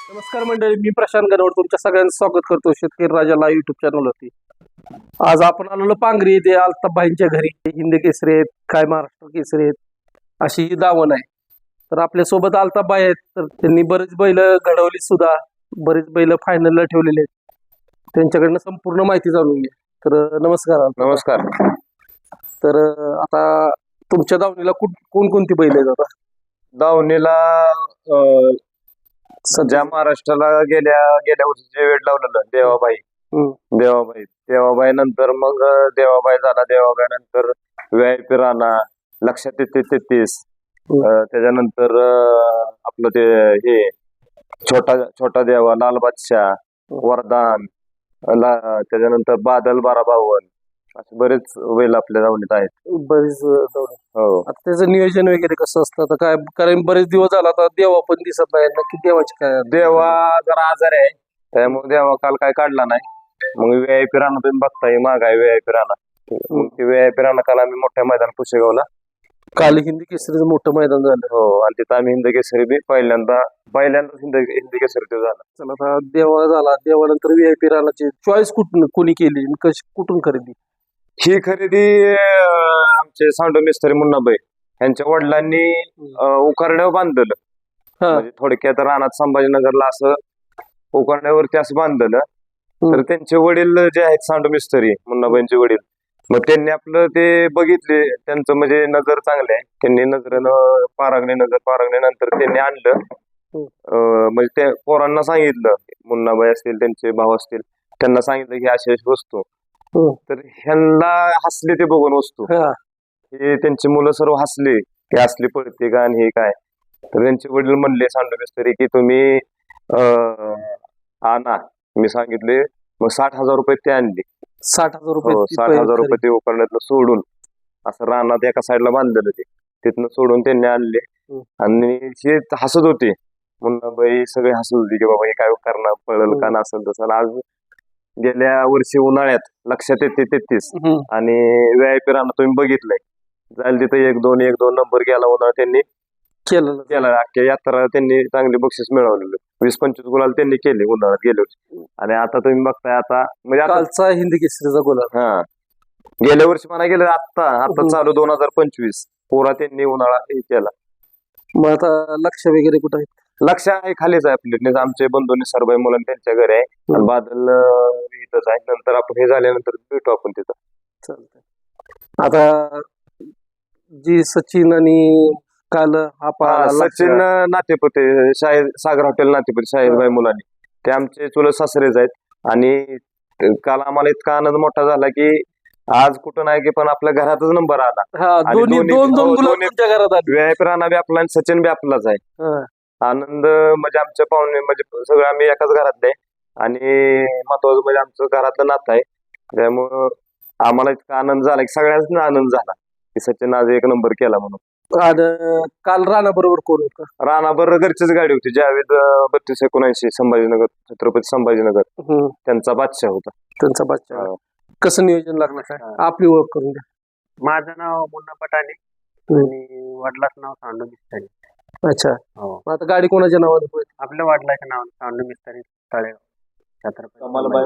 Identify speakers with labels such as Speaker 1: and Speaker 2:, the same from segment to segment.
Speaker 1: नमस्कार मंडळी, मी प्रशांत गणवट तुमच्या सगळ्यांचं स्वागत करतो शेतकरी राजाला युट्यूब चॅनलवरती. आज आपण आलेलो पांगरी येथे अल्ताफबाईंच्या घरी. हिंद केसरी आहेत, काय महाराष्ट्र केसरी आहेत, अशी ही दावण आहे. तर आपल्या सोबत अल्ताफबाई आहेत. तर त्यांनी बरेच बैल घडवली सुद्धा, बरेच बैल फायनलला ठेवलेले आहेत. त्यांच्याकडनं संपूर्ण माहिती जाणून घ्या. तर नमस्कार.
Speaker 2: नमस्कार.
Speaker 1: तर आता तुमच्या दावणीला कोणकोणती बैल आहेत आता?
Speaker 2: दावणीला सध्या महाराष्ट्राला गेल्या वर्षी जे वेळ लावलेलं देवाबाई नंतर मग देवाबाई झाला. देवाबाई नंतर VIP राणा, लक्षात 33, त्याच्यानंतर आपलं ते हे छोटा देवा, लाल बादशाह, वरदान, त्याच्यानंतर बादल 1252, असे बरेच बैल आपल्या दावणीत आहेत.
Speaker 1: बरेच दावणी.
Speaker 2: हो.
Speaker 1: आता त्याचं नियोजन वगैरे कसं असतं आता काय? कारण बरेच दिवस झाला आता देवा पण दिसत नाही. नक्की देवाची काय?
Speaker 2: देवा जरा आजारी आहे, त्यामुळे देवा काल काय काढला नाही. मग VIP राणा तुम्ही बघताय, माग आहे VIP राणा. मग ते VIP राणा काल आम्ही मोठ्या मैदान पुशेगावला,
Speaker 1: काल हिंदी केसरीचं मोठं मैदान झालं.
Speaker 2: हो, आणि तिथं आम्ही हिंद केसरी बी पहिल्यांदा हिंद केसरी ते झाला.
Speaker 1: चला आता देवा झाला, देवानंतर VIP राणाची चॉईस कोणी केली, कुठून खरेदी?
Speaker 2: ही खरेदी आमचे सांडो मिस्त्री मुन्नाबाई यांच्या वडिलांनी उकारड्यावर बांधलं. म्हणजे थोडक्यात रानात संभाजीनगरला असं उकारड्यावरती असं बांधलं. तर त्यांचे वडील जे आहेत सांडो मिस्त्री मुन्नाबाईंचे वडील, मग त्यांनी आपलं ते बघितले, त्यांचं म्हणजे नजर चांगले आहे, त्यांनी नजरेनं पारगणीनंतर त्यांनी आणलं. म्हणजे त्या पोरांना सांगितलं, मुन्नाबाई असतील, त्यांचे भाऊ असतील, त्यांना सांगितलं की अशी वस्तू. तर ह्यांना हसले ते बघून वस्तू. हे त्यांची मुलं सर्व हसले की असली पडते का आणि हे काय. तर त्यांचे वडील म्हणले सांडू मिस्त्री की तुम्ही आणा. मी सांगितले, मग 60,000 रुपये ते आणले.
Speaker 1: 60,000 रुपये?
Speaker 2: 60,000 रुपये ते उकरण्यातलं सोडून असं रानात एका साईडला बांधलेलं ते, तिथनं सोडून त्यांनी आणले. आणि हे हसत होते, मुन्नाबाई सगळे हसत होते की बाबा हे काय करणार, पळल का नसेल तसं. आज गेल्या वर्षी उन्हाळ्यात लक्षात 33 आणि VIP राणा तुम्ही बघितलंय, जायला तिथं 1-2 नंबर गेला उन्हाळ्यात. त्यांनी केला अख्ख्या यात्रा, त्यांनी चांगली बक्षीस मिळवलेलं. 20-25 गुलाल त्यांनी केले उन्हाळ्यात गेल्या वर्षी. आणि आता तुम्ही बघताय आता म्हणजे
Speaker 1: कालचा हिंदी केसरीचा गुलाल.
Speaker 2: गेल्या वर्षी म्हणा गेलं, आता चालू 2025 पुरा त्यांनी उन्हाळा हे केला.
Speaker 1: मग आता लक्ष वगैरे कुठं आहे?
Speaker 2: लक्ष आहे खालीच आहे आपले, आमचे बंधू निसरबाई मुलं त्यांच्या घरी आहे, आणि बादल इथंच आहे. नंतर आपण हे झाल्यानंतर भेटू आपण तिथं.
Speaker 1: चालतंय. आता जी सचिन आणि काल
Speaker 2: सचिन नातेपुते, सागर हॉटेल नातेपुते, शाहीरबाई मुलांनी, ते आमचे चुलत सासरेच आहेत. आणि काल आम्हाला इतका आनंद मोठा झाला की आज कुठं नाही की पण आपल्या घरातच नंबर आला. VIP राणा बी आपला आणि सचिन बी आपलाच आहे. आनंद म्हणजे आमच्या पाहुणे म्हणजे सगळं आम्ही एकाच घरातले, आणि महत्वाचं म्हणजे आमचं घरातलं नातं आहे. त्यामुळं आम्हाला इतका आनंद झाला की सगळ्यांना आनंद झाला की सचिन आज 1 नंबर केला म्हणून.
Speaker 1: काल राणा बरोबर कोण होतं?
Speaker 2: राणा बरोबर घरचीच गाडी होती, जावेद 3279 संभाजीनगर, छत्रपती संभाजीनगर, त्यांचा बादशाह होता.
Speaker 1: त्यांचा बादशाह. कसं नियोजन लागलं काय? आपली ओळख करून द्या.
Speaker 3: माझं नाव मुन्ना पटाणे आणि वडिलाचं नाव सांडू मिस्त्री.
Speaker 1: अच्छा. आता गाडी कोणाच्या नावाने पळते?
Speaker 3: आपल्या वडिलाचं नाव सांडू मिस्त्री, तळेगाव, छत्रपती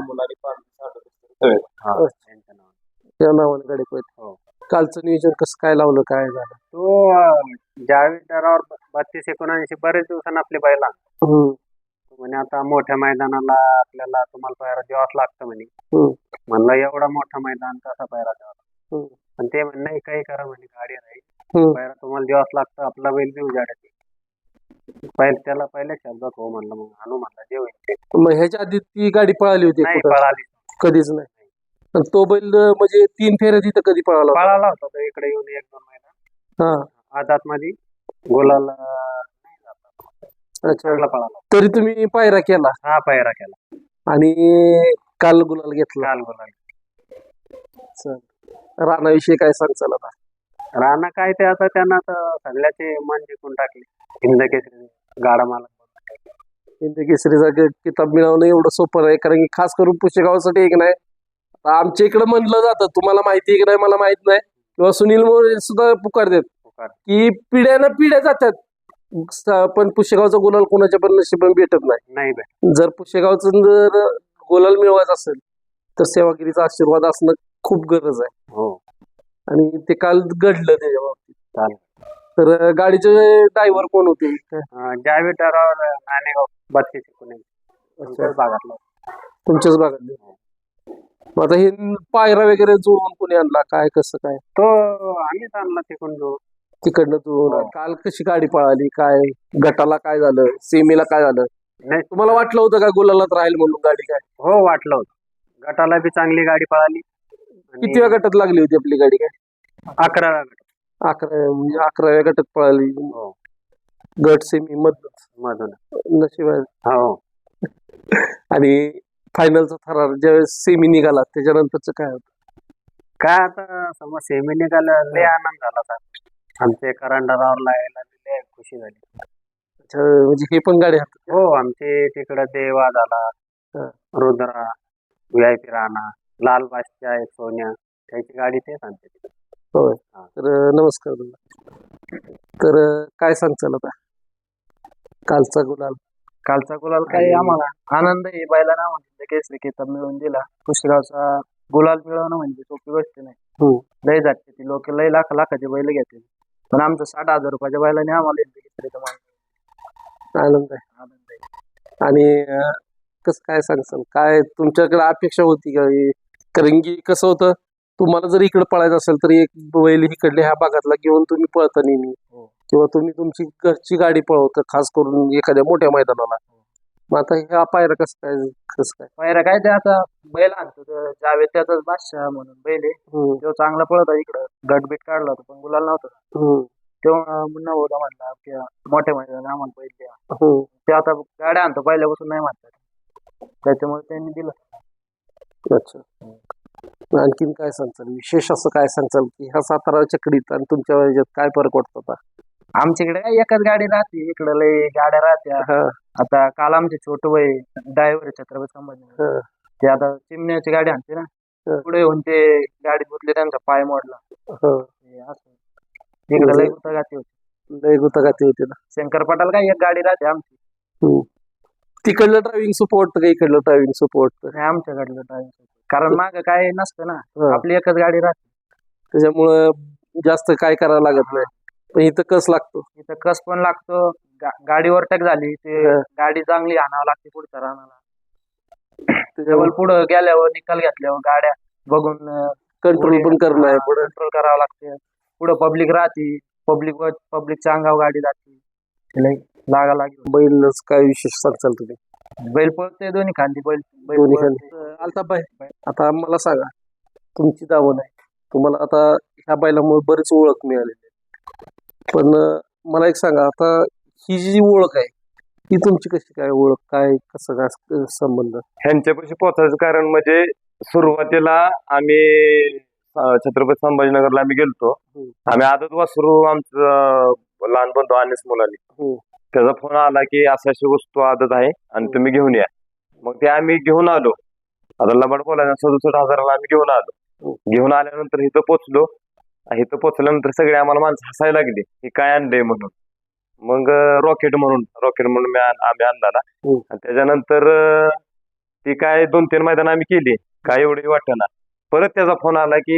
Speaker 1: त्या नावाने गाडी पळते. कालचं नियोजन कसं काय लावलं, काय झालं?
Speaker 3: तो जावेद दरावर 3279 बरेच दिवसांनी आपले बैला म्हणे आता मोठ्या मैदानाला आपल्याला तुम्हाला पायरा द्यावाच लागतं म्हणे. म्हणलं एवढा मोठा मैदान कसा पायरा द्यावा? पण ते म्हणे नाही, काही करा म्हणे, गाडी राहील, पायरा तुम्हाला द्यावाच लागतं, आपला बैल बी उजाडायचे. त्याला पहिल्या शब्दात हो म्हणलं, मग आणू म्हणलं जे होईल.
Speaker 1: मग ह्याच्या आधी ती गाडी पळाली होती?
Speaker 3: नाही पळाली, कधीच
Speaker 1: नाही. तो बैल म्हणजे 3 फेऱ्या तिथं कधी पळाला
Speaker 3: होता तो इकडे येऊन 1-2 महिना आजात मध्ये गोलाला पळाला.
Speaker 1: तरी तुम्ही पायरा केला?
Speaker 3: हा, पायरा केला
Speaker 1: आणि काल गुलाल घेतला. राणाविषयी काय सांगचाल आता?
Speaker 3: राणा काय ते आता त्यांना सगळ्याचे मन जिंकून टाकले. हिंद केसरी गाडा मालक.
Speaker 1: हिंद केसरीचा किताब मिळवणं एवढं सोपं नाही, कारण की खास करून पुशेगावसाठी एक नाही. आमच्या इकडे म्हणलं जातं, तुम्हाला माहिती आहे की नाही मला माहित नाही, किंवा सुनील मोरे सुद्धा पुकार देत की पिढ्यानं पिढ्या जातात, पण पुशेगावचा गुलाल कोणाच्या पण नशिबाने भेटत नाही.
Speaker 3: नाही भेट.
Speaker 1: जर पुशेगावचं जर गुलाल मिळवायचा असेल तर सेवागिरीचा आशीर्वाद असणं खूप गरज आहे.
Speaker 3: हो
Speaker 1: आणि ते काल घडलं त्याच्या बाबतीत.
Speaker 3: चालेल.
Speaker 1: तर गाडीचे ड्रायव्हर कोण होते?
Speaker 3: जावेद डरावर नाणेगाव 32 तुमच्याच भागातला.
Speaker 1: तुमच्याच भागातले. मग आता हे पायरा वगैरे जुळवून कोणी आणला, काय कसं काय?
Speaker 3: तो आम्हीच आणला तिकडून जो.
Speaker 1: तिकडनं जुळवून
Speaker 3: हो.
Speaker 1: काल कशी गाडी पळाली, काय गटाला काय झालं, सेमीला काय झालं?
Speaker 3: नाही
Speaker 1: तुम्हाला वाटलं होतं का गुलालात राहील म्हणून गाडी? काय
Speaker 3: हो वाटलं होतं. गटाला बी चांगली गाडी पळाली.
Speaker 1: किती वेळा गटात लागली होती आपली गाडी? काय
Speaker 3: 11व्या गटात.
Speaker 1: 11व्या गटात पळाली.
Speaker 3: हो
Speaker 1: गट सेमी
Speaker 3: मधून.
Speaker 1: नशीब आहे.
Speaker 3: हो
Speaker 1: आणि फायनलचा थरार ज्यावेळेस सेमी निघाला त्याच्यानंतरच काय होतं?
Speaker 3: काय आता समज सेमी निघाला लय आनंद झाला होता. आमचे करंडरावरला यायला लय खुशी झाली.
Speaker 1: अच्छा, म्हणजे हे पण गाडी हातात.
Speaker 3: हो आमचे तिकडं देवा झाला,
Speaker 1: हा.
Speaker 3: रुद्रा, VIP राणा, लाल बादशाह एक सोन्या, त्याची गाडी तेच आणते तिकडे.
Speaker 1: होय.
Speaker 3: हा.
Speaker 1: तर नमस्कार तुला. तर काय सांगचाल आता कालचा गुलाल?
Speaker 4: कालचा गुलाल काय आम्हाला आनंद आहे. बैलांना म्हणजे केसरी किताब मिळवून दिला. पुष्कळचा गुलाल मिळवणं म्हणजे सोपी गोष्ट नाही. लय जाते ती लोक लय लाखाचे बैल घेते, पण आमचं 60,000 रुपयाच्या बैलाने आम्हाला केसरीचा मान
Speaker 1: आनंद आहे.
Speaker 4: आनंद आहे.
Speaker 1: आणि कसं काय सांगचाल, काय तुमच्याकडे अपेक्षा होती का? कारण की कसं होतं, तुम्हाला जर इकडे पळायचं असेल तर एक बैल इकडल्या ह्या भागातला घेऊन तुम्ही पळता नेहमी, किंवा तुम्ही तुमची घरची गाडी पळवता खास करून एखाद्या मोठ्या मैदानाला. मग आता ह्या पायरा कसं काय?
Speaker 4: पायऱ्या काय ते आता बैल आणतो जावेद त्याचाच बादशाह म्हणून बैल आहे. तो चांगला पळत आहे. इकडं गटबीट काढला होता पण गुलाल नव्हता. तेव्हा मुन्ना भाऊला म्हणला की मोठ्या मैदानात आम्हाला बैल द्या. ते आता गाड्या आणतो पहिल्यापासून नाही म्हणतात, त्याच्यामुळे त्यांनी दिलं.
Speaker 1: अच्छा. आणखीन काय सांगचाल, विशेष असं काय सांगचाल की ह्या सातारा चकडीत आणि तुमच्या ह्याच्यात काय फरक वाटतो आता?
Speaker 4: आमच्याकडे काय एकच गाडी राहते, इकडे लय गाड्या राहत्या. आता काल आमचे छोटं वय ड्रायव्हर छत्रपती संभाजी ते आता चिमण्याची गाडी आणते ना, पुढे येऊन ते गाडीत बसले त्यांचा पाय मोडला. हे असं इकडे लय गुतगाती होती.
Speaker 1: लय गुतगाती होती ना.
Speaker 4: शंकर पटाल काय एक गाडी राहते आमची.
Speaker 1: तिकडलं ड्रायव्हिंग सपोर्ट का इकडलं ड्रायव्हिंग सपोर्ट?
Speaker 4: आमच्याकडलं ड्रायव्हिंग, कारण माग काय नसतं ना, आपली एकच गाडी राहते.
Speaker 1: त्याच्यामुळं जास्त काय करावं लागत नाही. पण इथं कस लागतो,
Speaker 4: इथं कस पण लागतो. गाडी ओव्हरटेक झाली ते गाडी चांगली आणावं लागते पुढच्या रानाला. त्याच्यावर पुढं गेल्यावर निकाल घेतल्यावर गाड्या बघून
Speaker 1: कंट्रोल पण करणं आहे. पुढे
Speaker 4: कंट्रोल करावं लागते. पुढं पब्लिक राहते, पब्लिकच्या अंगावर गाडी जाते, लागा लागेल.
Speaker 1: बैलच काय विशेष सांगचाल तुम्ही?
Speaker 4: बैल पळते दोन्ही खांदी बैल
Speaker 1: दोन्ही खांदी. अल्ताफबाई, आता मला सांगा, तुमची दावण आहे, तुम्हाला आता ह्या बैलामुळे बरीच ओळख मिळालेली आहे. पण मला एक सांगा, आता ही जी ओळख आहे ती तुमची कशी काय ओळख, काय कसं काय संबंध?
Speaker 2: ह्यांच्यापाशी पोहोचायचं कारण म्हणजे सुरुवातीला आम्ही छत्रपती संभाजीनगरला आम्ही गेलतो. आम्ही आदत वासरू आमचं लहान बंधू अनिस मुलानी त्याचा फोन आला की अशी वस्तू आदत आहे आणि तुम्ही घेऊन या. मग ते आम्ही घेऊन आलो. आता लबाड बोलायला 67,000ला आम्ही घेऊन आलो. घेऊन आल्यानंतर इथं पोचलो. इथं पोचल्यानंतर सगळे आम्हाला माणसं हसायला लागली की काय आणलंय म्हणून. मग रॉकेट म्हणून आम्ही आणला ना. आणि त्याच्यानंतर ती काय 2-3 मैदान आम्ही केली, काय एवढी वाटेना. परत त्याचा फोन आला की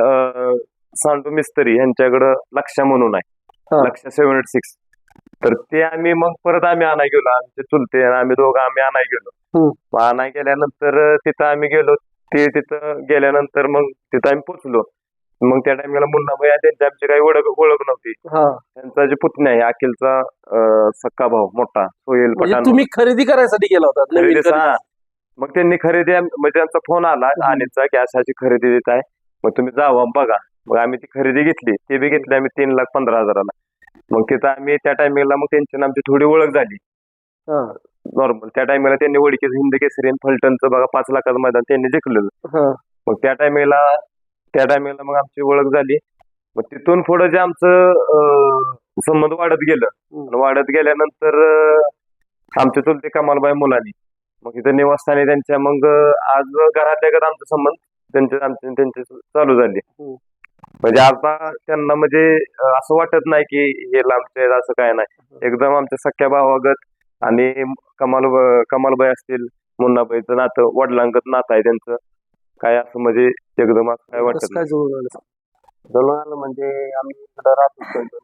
Speaker 2: सांडू मिस्त्री यांच्याकडं लक्ष्या म्हणून आहे, लक्ष्या 786. तर ते आम्ही मग परत आम्ही आणाय गेलो. आमचे चुलते आम्ही दोघं आम्ही आणाय गेलो. आणाय गेल्यानंतर तिथं आम्ही गेलो. ते तिथं गेल्यानंतर मग तिथं आम्ही पोचलो. मग त्या टाइमला मुन्नाबाई त्यांची आमची काही ओळख नव्हती. त्यांचा जे पुतण्या आहे अखिलचा सक्का भाऊ मोठा सोहेल पठाण,
Speaker 1: तुम्ही खरेदी करायसाठी गेला होता नवीन खरेदी?
Speaker 2: मग त्यांनी खरेदी म्हणजे त्यांचा फोन आला अनिलचा की अशी खरेदी देत आहे, मग तुम्ही जावा बघा. मग आम्ही ती खरेदी घेतली. ते बी घेतली आम्ही 3,15,000ला. मग तिथं आम्ही त्या टाइमिंगला मग त्यांची आमची थोडी ओळख झाली नॉर्मल. त्या टाइमिंगला त्यांनी वडीकेच हिंद केसरी फलटणचं बघा 5 लाखाचं मैदान त्यांनी जिंकलेलं. मग त्या टाइमिंगला मग आमची ओळख झाली. मग तिथून पुढं जे आमचं संबंध वाढत गेलं. वाढत गेल्यानंतर आमचे चुलते कमालबाई मुलांनी मग इथं निवासस्थानी त्यांच्या मग आज घरातल्या घरात आमचा संबंध त्यांचे चालू झाले. म्हणजे आता त्यांना म्हणजे असं वाटत नाही की हे लांबचे आहेत, असं काय नाही. एकदम आमच्या सख्या भावागत आणि कमालबाई असतील, मुन्नाबाईचं नातं वडिलांगत नातं आहे त्यांचं. काय असं म्हणजे एकदम असं काय वाटत
Speaker 1: कसं काय जुळून आलं?
Speaker 3: जळून आलं म्हणजे आम्ही इकडं राहतो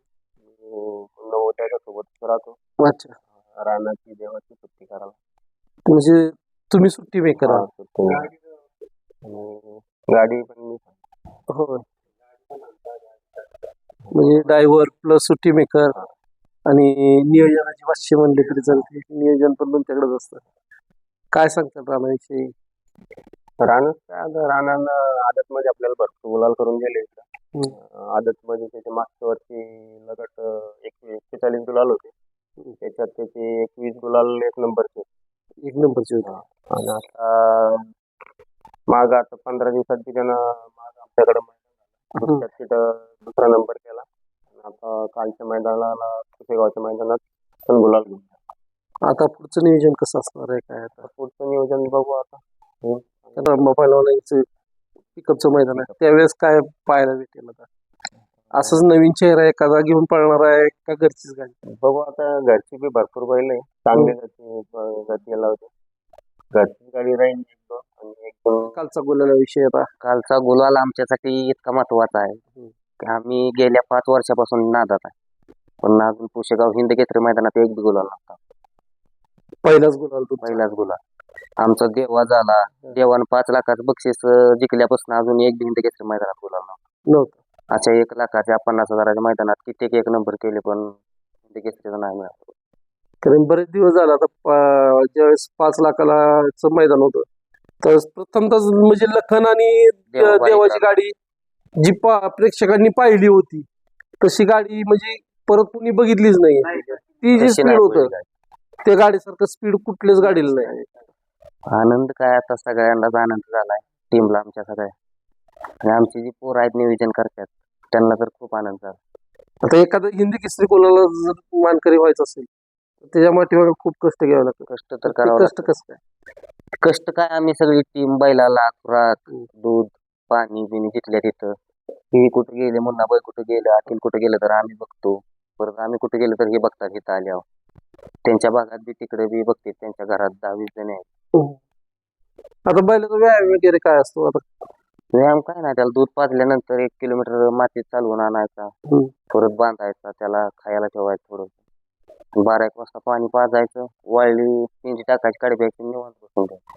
Speaker 3: सोबत राहतो.
Speaker 1: अच्छा,
Speaker 3: रानाची देवाची सुट्टी करायला.
Speaker 1: म्हणजे तुम्ही सुट्टी मेकर आहात?
Speaker 3: सुट्टी आणि गाडी पण मी
Speaker 1: होय, म्हणजे ड्रायव्हर प्लस सुट्टी मेकर आणि नियोजनाची भाष्य म्हणले तरी चालते. नियोजन पण तुमच्याकडेच असतं. काय सांगतात रामाविषयी?
Speaker 3: रानानं आदत मध्ये आपल्याला भरपूर गुलाल करून गेले. आदत मध्ये त्याच्या मागच्या वर्षी लगट 41 गुलाल होते. त्याच्यात त्याचे 21 गुलाल एक नंबरचे.
Speaker 1: एक नंबरची होती.
Speaker 3: आणि आता माग आता 15 दिवसात त्यानं माग आमच्याकडे मैदान तिथं दुसरा नंबर केला. आणि आता कालच्या मैदानाला कुसेगावच्या मैदानात पण गुलाल घेऊन.
Speaker 1: आता पुढचं नियोजन कसं असणार आहे काय? आता
Speaker 3: पुढचं नियोजन बघू आता.
Speaker 1: पहिलवानाचं पिकअपचं मैदान आहे, त्यावेळेस काय पाहायला भेटेल? आता असंच नवीन चेहरा एखादा घेऊन पळणार आहे का घरचीच गाडी?
Speaker 3: बघू आता, घरची बी भरपूर बैल आहे, चांगली गती लावते. घरची गाडी राहील आणि एकदम.
Speaker 1: कालचा गुलाला विषय आता
Speaker 3: कालचा गुलाल आमच्यासाठी इतका महत्वाचा आहे की आम्ही गेल्या 5 वर्षापासून नादात आहे, पण अजून पुशेगाव हिंद केसरी मैदानात एक बी गुलाल नव्हता.
Speaker 1: पहिलाच गुलाल तो.
Speaker 3: पहिलाच गुलाल आमचा देवा झाला. देवानं 5 लाखाचं बक्षीस जिंकल्यापासून अजून एक बी हिंद केसरी मैदानात गुलाल
Speaker 1: नव्हतं.
Speaker 3: अशा 1 लाखाच्या 50,000च्या मैदानात कित्येक एक नंबर केले, पण हिंद केसरीचा नाही मिळाला.
Speaker 1: कारण बरेच दिवस झाला आता ज्यावेळेस 5 लाखाला मैदान होतं तर प्रथमतः म्हणजे लखन आणि देवाची गाडी जी प्रेक्षकांनी पाहिली होती तशी गाडी म्हणजे परत कुणी बघितलीच नाही. ती जी स्पीड होतं त्या गाडीसारखं स्पीड कुठल्याच गाडीला नाही.
Speaker 3: आनंद काय आता सगळ्यांनाच आनंद झालाय, टीमला आमच्या सगळ्या. आणि आमची जी पोरं आहेत नियोजन करतात त्यांना तर खूप आनंद झाला.
Speaker 1: आता एखादं हिंदी केसरी कोणाला जर मानकरी व्हायचं असेल तर त्याच्या पाठीमागे खूप कष्ट घ्यावे लागतात.
Speaker 3: कष्ट तर करावं
Speaker 1: कष्ट कसं काय?
Speaker 3: कष्ट काय, आम्ही सगळी टीम बैलाला खुराक, दूध, पाणी बिणी जिथल्या तिथं. ही कुठे गेले, मुन्नाबाई कुठे गेलं, अखिल कुठे गेलं तर आम्ही बघतो. परत आम्ही कुठे गेलो तर हे बघतात इथं आल्यावर. त्यांच्या भागात बी तिकडे बी बघते, त्यांच्या घरात 10-20 जण आहेत.
Speaker 1: आता बैलाचा व्यायाम वगैरे काय असतो? आता
Speaker 3: व्यायाम काय नाही, त्याला दूध पाजल्यानंतर 1 किलोमीटर मातीत चालवून आणायचा, परत बांधायचा, त्याला खायला ठेवायचं थोडं. 12-1 वाजता पाणी पाजायचं, वाळली पिंजी टाकायची, काढी प्यायची, निवांत बसून द्यायचं.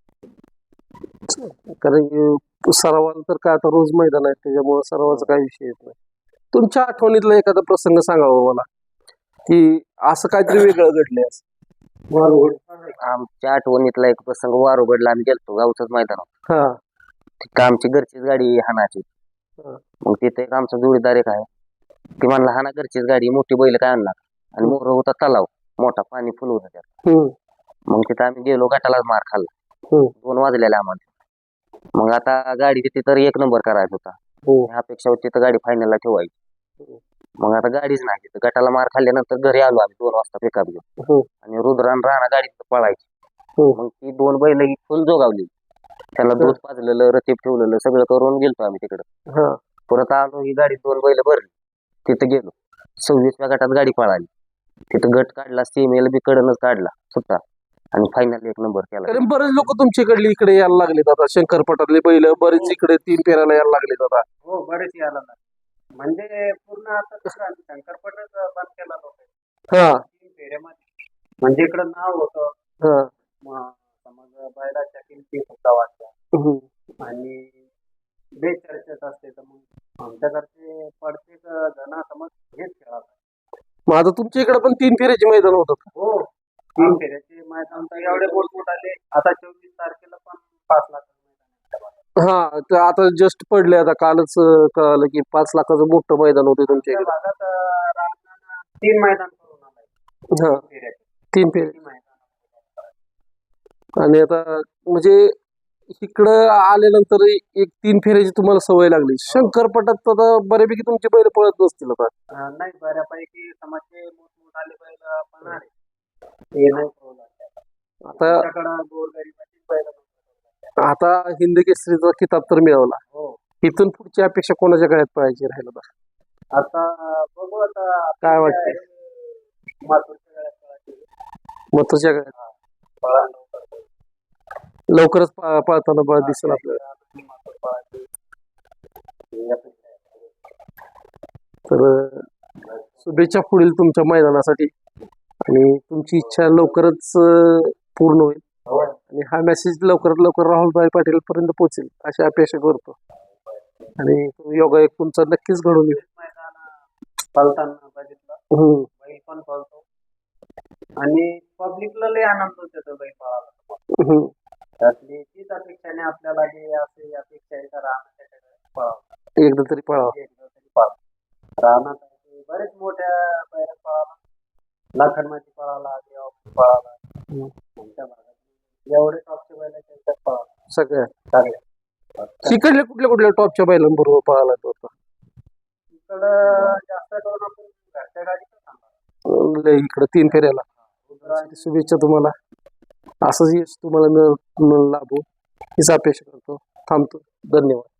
Speaker 1: कारण की सरावाला तर काय आता रोज मैदान आहे त्याच्यामुळे सरावाचा काही विषय येत नाही. तुमच्या आठवणीतला एखादा प्रसंग सांगावा मला की असं काहीतरी वेगळं घडलंय.
Speaker 3: आमच्या आठवणीतला एक प्रसंग वारुगडला आम्ही गेलतो, गावचंच मैदान होतं.
Speaker 1: हा,
Speaker 3: तिथं आमची घरचीच गाडी हाणाची. मग तिथे एक आमचा जोडीदार एक आहे, ती म्हणला हाना घरचीच गाडी, मोठी बैल काय आणणार. आणि मोर होता तलाव मोठा, पाणी फुल होतं त्यात. मग तिथं आम्ही गेलो, गटालाच मार खाल्ला. 2 वाजलेले आम्हाला. मग आता गाडी तिथं 1 नंबर करायचा होता, अपेक्षा होती तर गाडी फायनलला ठेवायची. मग आता गाडीच नाही तिथं, गटाला मार खाल्ल्यानंतर घरी आलो आम्ही 2 वाजता पिकअप घेऊन. आणि रुद्रान राणा गाडीत पळायची. मग ती 2 बैल फुल जोगावली, त्याला दूध पाजलेलं, रतीब ठेवलेलं सगळं करून गेलतो आम्ही तिकडं. परत आलो, ही गाडी 2 बैल भरली, तिथं गेलो. 26व्या गटात गाडी पळाली, तिथं गट काढला, सीमेला बी कडनच काढला सुद्धा, आणि फायनल 1 नंबर केला.
Speaker 1: कारण बरेच लोक तुमच्याकडले इकडे यायला लागलेत आता, शंकरपटातले बैल बरेच इकडे 3 फेऱ्याला यायला लागलेत आता.
Speaker 3: हो, बरेच यायला लागले. म्हणजे पूर्ण आता शंकरपटच बंद केला लोक. 3 फेऱ्यामध्ये म्हणजे इकडं नाव होतं, समज बैलाच्या किमती सुद्धा वाटल्या आणि बेचर्चेत असते. तर मग आमच्याकडचे प्रत्येक जण समज हेच खेळात.
Speaker 1: मग आता तुमच्या इकडे पण 3 फेऱ्याचे मैदान होतात?
Speaker 3: हो, 3 फेऱ्याचे मैदान तर एवढे मोठ आले. आता 24 तारखेला पण 5 लाख.
Speaker 1: हा, तर आता जस्ट पडले, आता कालच कळालं की 5 लाखाचं मोठं मैदान होते तुमच्या इकडे.
Speaker 3: भागात 3 मैदान करून आलाय.
Speaker 1: 3 फेऱ्या. आणि आता म्हणजे इकडं आल्यानंतर एक 3 फेऱ्याची तुम्हाला सवय लागली. शंकरपटात आता बऱ्यापैकी तुमचे बैल पळत नसतील आता?
Speaker 3: नाही, बऱ्यापैकी समाजचे मोठमोठाले बैल पण आहे, ते नाही पळवलं.
Speaker 1: आता
Speaker 3: गोरगरिबाचीच बैल.
Speaker 1: आता हिंद केसरीचा किताब तर मिळवला, इथून पुढची अपेक्षा कोणाच्या गळ्यात पाहायची राहिलं बा?
Speaker 3: आता बघू आता
Speaker 1: काय वाटतंय?
Speaker 3: मातूरच्या गळ्यात पळायची.
Speaker 1: महत्वाच्या गळ्यात
Speaker 3: पळायला
Speaker 1: लवकरच पळताना बळ दिसेल आपल्याला.
Speaker 3: मातूर पळायची. ही अपेक्षा आहे.
Speaker 1: तर शुभेच्छा पुढील तुमच्या मैदानासाठी आणि तुमची इच्छा लवकरच पूर्ण होईल आणि हा मेसेज लवकरात लवकर राहुलभाई पाटील पर्यंत पोहोचेल अशी अपेक्षा करतो आणि योगायोग तुमचा नक्कीच घडून येईल.
Speaker 3: मैदान पळताना बघितलं बैल पण पळतो आणि पब्लिकला लय आनंद होतो तो बैल पळाला. त्यातली तीच अपेक्षाने आपल्याला जे असे अपेक्षा आहे तर राहण्याच्या पळावं
Speaker 1: एकदा तरी पळावा.
Speaker 3: एकदा तरी पळावं. राहणार बरेच मोठ्या बैल पळाला, लाखनमध्ये पळाला, देवामध्ये पळाला. आमच्या भागात एवढे टॉपचे बैल त्यांच्यात पळाला
Speaker 1: सगळ्या
Speaker 3: सगळे.
Speaker 1: तिकडल्या कुठल्या टॉपच्या बैलांबरोबर पळाला तो आता?
Speaker 3: इकडं जास्त करून आपण घरच्या गाडीचं सांगणार.
Speaker 1: इकडे 3 फेऱ्याला. शुभेच्छा तुम्हाला. असंच यश तुम्हाला लाभो हीच अपेक्षा करतो. थांबतो. धन्यवाद.